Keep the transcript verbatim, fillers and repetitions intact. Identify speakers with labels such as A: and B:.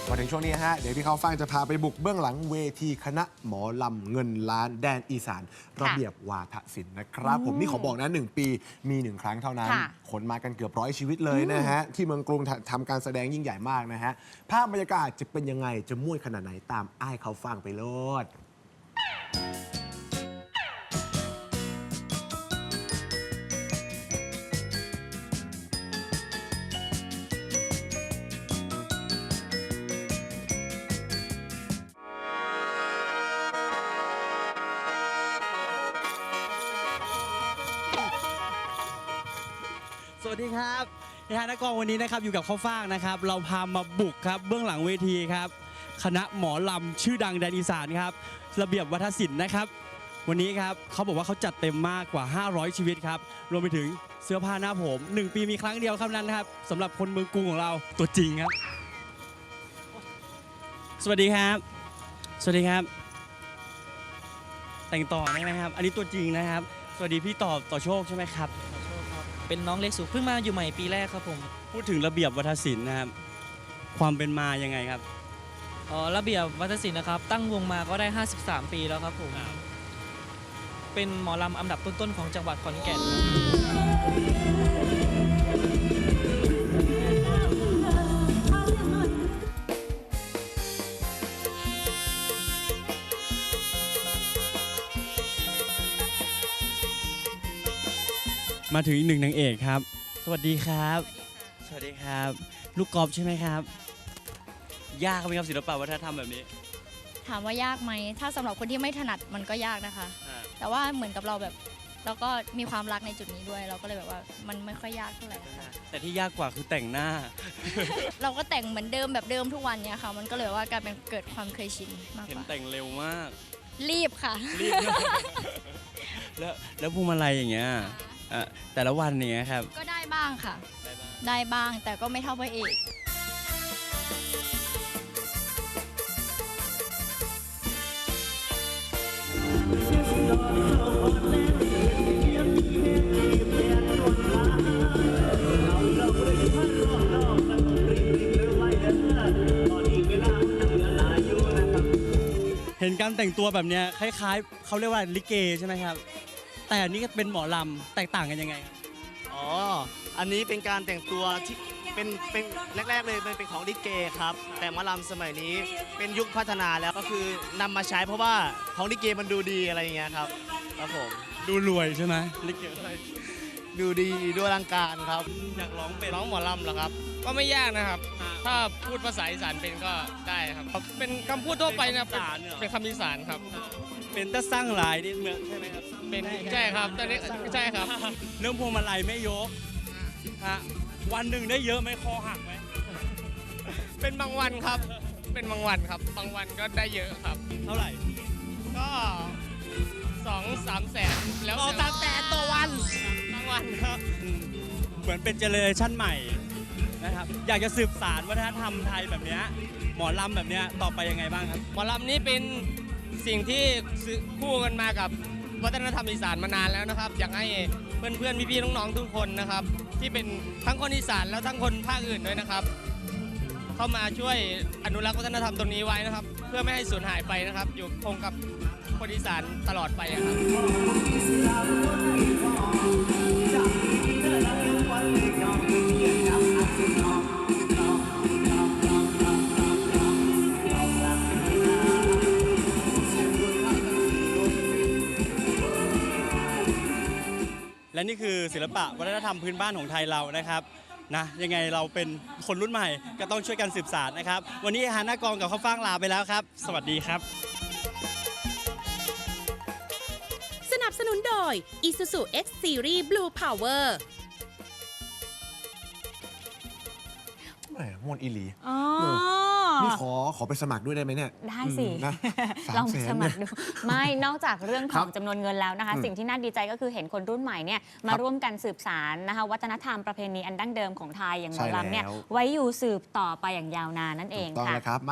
A: มาถึงช่วงนี้ฮะเดี๋ยวพี่เขาฟังจะพาไปบุกเบื้องหลังเวทีคณะหมอลำเงินล้านแดนอีสานระเบียบวาทศิลป์นะครับผมนี่ขอบอกนะหนึ่งปีมีหนึ่งครั้งเท่านั้นขนมากันเกือบร้อยชีวิตเลยนะฮะที่เมืองกรุงทำการแสดงยิ่งใหญ่มากนะฮะภาพบรรยากาศจะเป็นยังไงจะม่วนขนาดไหนตามอ้ายเขาฟังไปโลด
B: สวัสดีครับในฐานะกองวันนี้นะครับอยู่กับข้าวฟ่างนะครับเราพามาบุกครับเบื้องหลังเวทีครับคณะหมอลำชื่อดังแดนอีสานครับระเบียบวัฒนศิลป์นะครับวันนี้ครับเขาบอกว่าเขาจัดเต็มมากกว่าห้าร้อยชีวิตครับรวมไปถึงเสื้อผ้าหน้าผมหนึ่งปีมีครั้งเดียวครับนั้นนะครับสำหรับคนเมืองกรุงของเราตัวจริงครับสวัสดีครับสวัสดีครับแต่งต่อได้ไหมครับอันนี้ตัวจริงนะครับสวัสดีพี่ต่อต่อโชคใช่ไหมครับ
C: เป็นน้องเล็กสุเพิ่งมาอยู่ใหม่ปีแรกครับผม
B: พูดถึงระเบียบวัฒนศิลป์นะครับความเป็นมายังไงครับ
C: อ๋อระเบียบวัฒนศิลป์นะครับตั้งวงมาก็ได้ห้าสิบสามปีแล้วครับผมเป็นหมอลำอันดับต้นๆของจังหวัดขอนแก่น
B: มาถึงอีกหนึ่งนางเอกครับสวัสดีครับสวัสดีครับลูกกอล์ฟใช่ไหมครับยากไหมครับศิลปะวัฒนธรรมแบบนี้
D: ถามว่ายากไหมถ้าสำหรับคนที่ไม่ถนัดมันก็ยากนะคะแต่ว่าเหมือนกับเราแบบเราก็มีความรักในจุดนี้ด้วยเราก็เลยแบบว่ามันไม่ค่อยยากเท่าไหร่ค่ะ
B: แต่ที่ยากกว่าคือแต่งหน้า
D: เราก็แต่งเหมือนเดิมแบบเดิมทุกวันเนี้ยค่ะมันก็เลยว่ากลายเป็นเกิดความเคยชินมากกว่า
B: เห็นแต่งเร็วมาก
D: รีบค่ะ
B: รีบ แล้วแล้วพวงมาลัยอย่างเงี้ยแต่ละวันเนี้ยครับ
D: ก็ได้บ้างค่ะได้บ้างแต่ก็ไม่เท่าพระเอก
B: เห็นการแต่งตัวแบบเนี้ยคล้ายๆเขาเรียกว่าลิเกใช่ไหมครับแต่อันนี้ก็เป็นหมอลำแตกต่างกันยังไงครับ
E: อ๋ออันนี้เป็นการแต่งตัวที่เป็นเป็นแรกๆเลยมันเป็นของลิเกครับแต่หมอลำสมัยนี้เป็นยุคพัฒนาแล้วก็คือนำมาใช้เพราะว่าของลิเกมันดูดีอะไรอย่างเงี้ยครับครับผม
B: ดูรวยใช่ไหมลิเก
E: ดูดีดูอลังการครับ
B: อยากร้องเป็น
F: ร้องหมอลำเหรอครับก็ไม่ยากนะครับถ้าพูดภาษาอีสานเป็นก็ได้ครับเป็นคำพูดทั่วไปนะเป็นคำอีสานครับ
B: เป็นตะสร้างหลายนี่เมืองใช่ไหมครับ
F: เป็นใช่ครับตอนนี้ใช่ครับ
B: เรื่องพวงมาลัยไม่ยกฮะวันหนึ่งได้เยอะไหมคอหักไหม
F: เป็นบางวันครับเป็นบางวันครับบางวันก็ได้เยอะครับ
B: เท่าไหร่
F: ก็สองสามแสนแล้ว
B: ต่อสามแสนต่อวัน
F: บางวันครับ
B: เหมือนเป็นเจเนอเรชั่นใหม่นะครับอยากจะสืบสานวัฒนธรรมไทยแบบนี้หมอลำแบบนี้ต่อไปยังไงบ้างครับ
F: หมอลำนี้เป็นสิ่งที่คู่กันมากับวัฒนธรรมอีสานมานานแล้วนะครับอยากให้เพื่อนๆพี่ๆน้องๆทุกคนนะครับที่เป็นทั้งคนอีสานแล้วทั้งคนภาคอื่นด้วยนะครับเข้ามาช่วยอนุรักษ์วัฒนธรรมตรงนี้ไว้นะครับเพื่อไม่ให้สูญหายไปนะครับอยู่คงกับคนอีสานตลอดไปครับ
B: และนี่คือศิลปะวัฒนธรรมพื้นบ้านของไทยเรานะครับนะยังไงเราเป็นคนรุ่นใหม่ก็ต้องช่วยกันสืบสานนะครับวันนี้ฮาหน้ากองกับข้าวฟ่างลาไปแล้วครับสวัสดีครับ
G: สนับสนุนโดย Isuzu X Series Blue Power
A: มวนอีหลี
H: อ๋อ
A: นี่ขอขอไปสมัครด้วยได้ไหมเนี่ย
H: ได้สิ
A: นะ
H: ลองสมัครดูไม่นอกจากเรื่องของจำนวนเงินแล้วนะคะสิ่งที่น่าดีใจก็คือเห็นคนรุ่นใหม่เนี่ยมาร่วมกันสืบสานนะคะวัฒนธรรมประเพณีอันดั้งเดิมของไทยอย่างหมอลำเนี่ยไว้อยู่สืบต่อไปอย่างยาวนานนั่นเองค่ะ